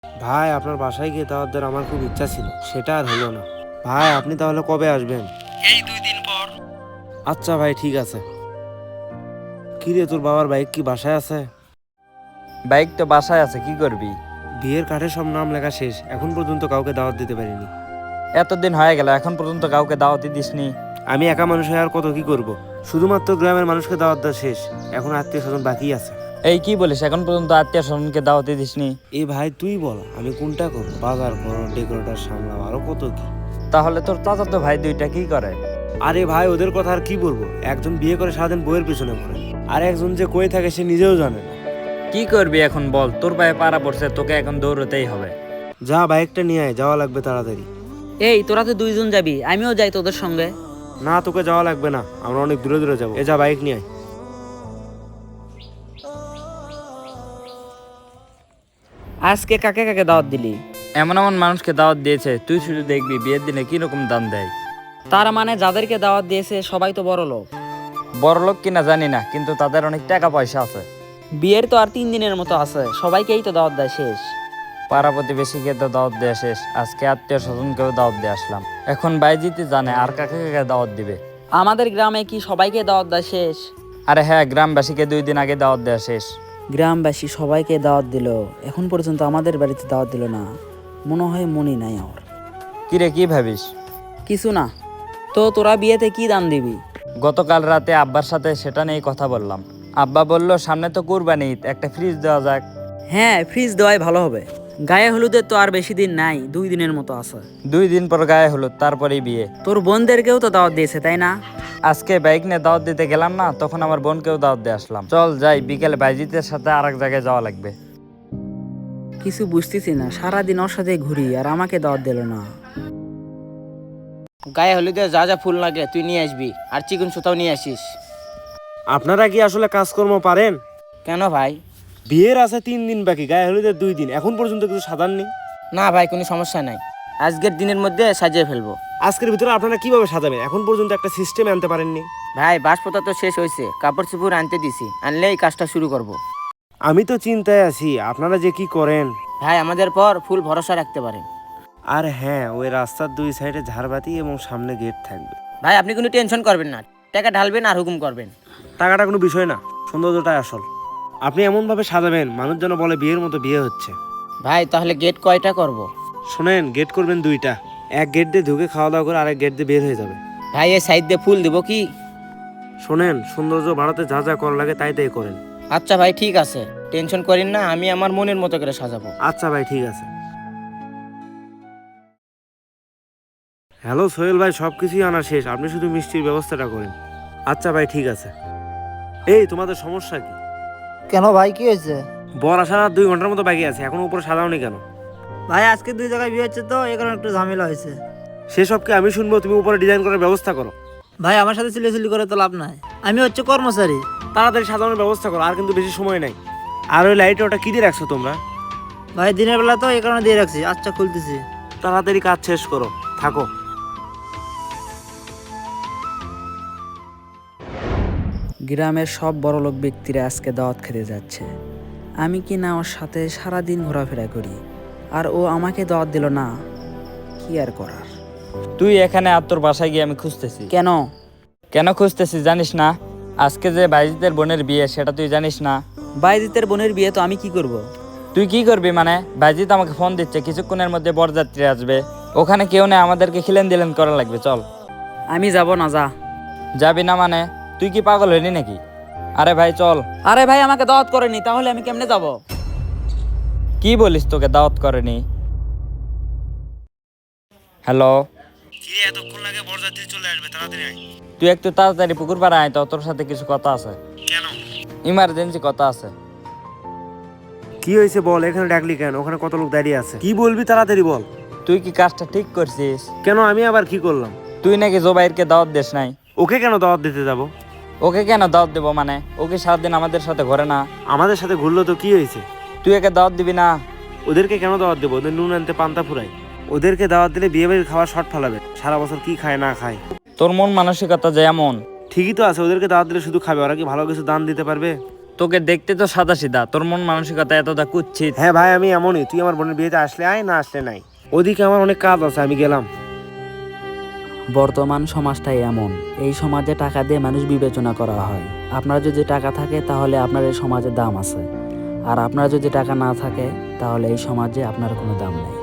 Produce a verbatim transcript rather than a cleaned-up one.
ভাই আপনার বাসায় গিয়ে দাওয়াত দেওয়ার আমার খুব ইচ্ছা ছিল, সেটা আর হলো না। ভাই আপনি তাহলে কবে আসবেন? এই দুই দিন পর। আচ্ছা ভাই ঠিক আছে। কি রে, তোর বাবার বাইক কি বাসায় আছে? বাইক তো বাসায় আছে, কি করবি? বিয়ের কার্ডে সব নাম লেখা শেষ, এখন পর্যন্ত কাউকে দাওয়াত দিতে পারিনি। এতদিন হয়ে গেল এখন পর্যন্ত কাউকে দাওয়াতই দিসনি। আমি একা মানুষ হয়ে আর কত কি করব? শুধুমাত্র গ্রামের মানুষকে দাওয়াত দেওয়া শেষ, এখন আত্মীয় স্বজন বাকি আছে। এই কি বলিস, এখন পর্যন্ত আত্মীয় স্বজনকে দাওয়াতই দিসনি? এই ভাই তুই বল আমি কোনটা করবো? বাজার করো, ডেকোরেটর সামলাও, আরো কত কি। তাহলে তোর চাচাতো ভাই দুইটা কি করে? আরে ভাই ওদের কথা আর কি বলবো, একজন বিয়ে করে সারাদিন বইয়ের পিছনে পড়ে, আর একজন যে কই থাকে সে নিজেও জানে না। কি করবি এখন বল, তোর পায়ে পাড়া পড়ছে, তোকে এখন দৌড়তেই হবে। যা বাইকটা নিয়ে আয়, যাওয়া লাগবে তাড়াতাড়ি। এই তোরা তো দুইজন যাবি, আমিও যাই তোদের সঙ্গে। না তোকে যাওয়া লাগবে না, আমরা অনেক দূরে দূরে যাবো। এ যা বাইক নিয়ে আয়। আজকে কাকে কাকে দাওয়াত দিলি? এমন এমন মানুষকে দাওয়াত দিয়েছে, তুই শুধু দেখবি বিয়ের দিনে কি রকম দান দেয়। তার মানে যাদেরকে দাওয়াত দিয়েছে সবাই তো বড় লোক। বড় লোক কিনা জানি না, কিন্তু তাদের অনেক টাকা পয়সা আছে। বিয়ের তো আর তিন দিনের মতো আছে, সবাইকেই তো দাওয়াত দেয় শেষ। পাড়া প্রতিবেশীকে তো দাওয়াত দেওয়া শেষ, আজকে আত্মীয় স্বজনকেও দাওয়াত দিয়ে আসলাম। এখন বাইজিতে জানে আর কাকে কাকে দাওয়াত দিবে। আমাদের গ্রামে কি সবাইকে দাওয়াত দেয় শেষ? আরে হ্যাঁ, গ্রামবাসীকে দুই দিন আগে দাওয়াত দেওয়া শেষ। গ্রামবাসী সবাইকে দাওয়াত দিল, এখন পর্যন্ত আমাদের বাড়িতে দাওয়াত দিল না। মনে হয় মনে নাই আর। কিরে কি ভাবিস? কিছু না। তো তোরা বিয়েতে কি দান দিবি? গতকাল রাতে আব্বার সাথে সেটা নিয়ে কথা বললাম। আব্বা বলল সামনে তো কুরবানি ঈদ, একটা ফ্রিজ দেওয়া যাক। হ্যাঁ, ফ্রিজ দেওয়াই ভালো হবে। গায়ে হলুদের তো আর বেশি দিন নাই, দুই দিনের মতো আছে। দুই দিন পর গায়ে হলুদ, তারপরেই বিয়ে। তোর বোনদেরকেও তো দাওয়াত দিয়েছে তাই না? আজকে বাইক নিয়ে দাওয়াত দিতে গেলাম না, তখন আমার বোনকেও দাওয়াত দিয়ে আসলাম। চল যাই, বিকেলে বাইজিতের সাথে আর এক জায়গায় যাওয়া লাগবে। কিছু বুঝতেছি না, সারাদিন ওর সাথে ঘুরি আর আমাকে দাওয়াত দিল না। গায়ে হলুদে যা যা ফুল লাগে তুই নিয়ে আসবি, আর চিকন সুতাও নিয়ে আসিস। আপনারা কি আসলে কাজকর্ম পারেন? কেন ভাই? বিয়ের আছে তিন দিন বাকি, গায়ে হলুদের দুই দিন, এখন পর্যন্ত কিছু সাজাননি। না ভাই, কোনো সমস্যা নাই, আজকের দিনের মধ্যে সাজিয়ে ফেলবো। আজকের ভিতরে আপনারা কিভাবে সাজাবেন? এখন পর্যন্ত একটা সিস্টেম আনতে পারেননি। ভাই বাসপতা তো শেষ হয়েছে, কাপড় চোপড় আনতে দিছি, আনলেই কাজটা শুরু করব। আমি তো চিন্তায় আছি আপনারা যে কি করেন। ভাই আমাদের পর ফুল ভরসা রাখতে পারেন। আর হ্যাঁ, ওই রাস্তার দুই সাইডে ঝাড়বাতি এবং সামনে গেট থাকবে। ভাই আপনি কোনো টেনশন করবেন না, টাকা ঢালবেন আর হুকুম করবেন। টাকাটা কোনো বিষয় না, সৌন্দর্যটাই আসল। আপনি এমনভাবে সাজাবেন মানুষ যেন বলে বিয়ের মতো বিয়ে হচ্ছে। ভাই তাহলে গেট কয়টা করব? শোনেন, গেট করবেন দুইটা, এক গেট দিয়ে ঢুকে খাওয়া দাওয়া করে আরেক গেট দিয়ে বের হয়ে যাবে। ভাই এই সাইড দিয়ে ফুল দিব কি? শোনেন, সৌন্দর্য বাড়াতে যা যা করা লাগে তাই তাই করেন। আচ্ছা ভাই ঠিক আছে, টেনশন করেন না, আমি আমার মনের মতো করে সাজাবো। আচ্ছা ভাই ঠিক আছে। হ্যালো সোহেল ভাই, সব কিছুই আনা শেষ, আপনি শুধু মিষ্টির ব্যবস্থাটা করেন। আচ্ছা ভাই ঠিক আছে। এই তোমাদের সমস্যা কি? কেন ভাই, কি হয়েছে? বর আসার আর দুই ঘন্টার মতো বাকি আছে, এখন উপরে সাজাওনি কেন? ভাই আজকে দুই জায়গায় বিয়ে হচ্ছে তো, এই কারণে একটু ঝামেলা হয়েছে। সেসব কি আমি শুনবো? তুমি উপরে ডিজাইন করার ব্যবস্থা করো। ভাই আমার সাথে চিল্লাচিল্লি করে তো লাভ নাই, আমি হচ্ছে কর্মচারী। তাড়াতাড়ি সাজানোর ব্যবস্থা করো, আর কিন্তু বেশি সময় নাই। আর ওই লাইট ওটা কি দিয়ে রাখছো তোমরা? ভাই দিনের বেলা তো এই কারণে দিয়ে রাখছি। আচ্ছা খুলতেছি। তাড়াতাড়ি কাজ শেষ করো, থাকো। গ্রামের সব বড়লোক ব্যক্তিরা আজকে দাওয়াত খেতে যাচ্ছে। আমি কি না ওর সাথে সারাদিন ঘোরাফেরা করি, আর ও আমাকে দাওয়াত দিল না। কি আর করার। তুই এখানে আর তোর বাসায় গিয়ে আমি খুঁজতেছি। কেন? কেন খুঁজতেছি জানিস না? আজকে যে বাইজিতের বোনের বিয়ে সেটা তুই জানিস না? বাইজিতের বোনের বিয়ে তো আমি কি করব? তুই কি করবি মানে? বাইজিত আমাকে ফোন দিচ্ছে, কিছুক্ষণের মধ্যে বরযাত্রী আসবে, ওখানে কেউ নেই, আমাদেরকে খিলেন দিলেন করা লাগবে। চল। আমি যাব না, যা। যাবি না মানে? তুই কি পাগল হইলি নাকি? আরে ভাই চল। আরে ভাই আমাকে দাওয়াত করেনি, তাহলে আমি কেমনে যাব? কি বলিস, তোকে দাওয়াত করেনি? হ্যালো, কি এতক্ষণ লাগে? বরযাত্রী চলে আসবে, তাড়াতাড়ি আয়। তুই একটু তাড়াতাড়ি পুকুর পাড়ে আয় তো, তোর সাথে কিছু কথা আছে। কেন? ইমার্জেন্সি কথা আছে। কি হয়েছে বল, এখানে ডাকলি কেন? ওখানে কত লোক দাঁড়িয়ে আছে, কি বলবি তাড়াতাড়ি বল। তুই কি কাজটা ঠিক করছিস? কেন, আমি আবার কি করলাম? তুই নাকি জোবাইরকে দাওয়াত দিস নাই। ওকে কেন দাওয়াত দিতে যাব? ওকে কেন দাওয়াত দেবো মানে? ওকে সারাদিন আমাদের সাথে ঘরে না। আমাদের সাথে ঘুরলো তো কি হয়েছে? তুই একে দাওয়াত দিবি না? ওদেরকে কেন দাওয়াত দেবো? ওদের নুন আনতে পান্তা ফুরাই। ওদেরকে দাওয়াত দিলে বিয়ে বাড়ির খাওয়া শর্ট ফেলাবে, সারা বছর কি খায় না খায়। তোর মন মানসিকতা যেমন। ঠিকই তো আছে, ওদেরকে দাওয়াত দিলে শুধু খাবে, ওরা কি ভালো কিছু দান দিতে পারবে? তোকে দেখতে তো সাদা সিধা, তোর মন মানসিকতা এতটা কুচ্ছিত। হ্যাঁ ভাই, আমি এমনই। তুই আমার বোনের বিয়েতে আসলে আয়, না আসলে নাই। ওদিকে আমার অনেক কাজ আছে, আমি গেলাম। বর্তমান সমাজটাই এমন, এই সমাজে টাকা দিয়ে মানুষ বিবেচনা করা হয়। আপনার যদি টাকা থাকে তাহলে আপনার এই সমাজে দাম আছে, আর আপনার যদি টাকা না থাকে তাহলে এই সমাজে আপনার কোনো দাম নেই।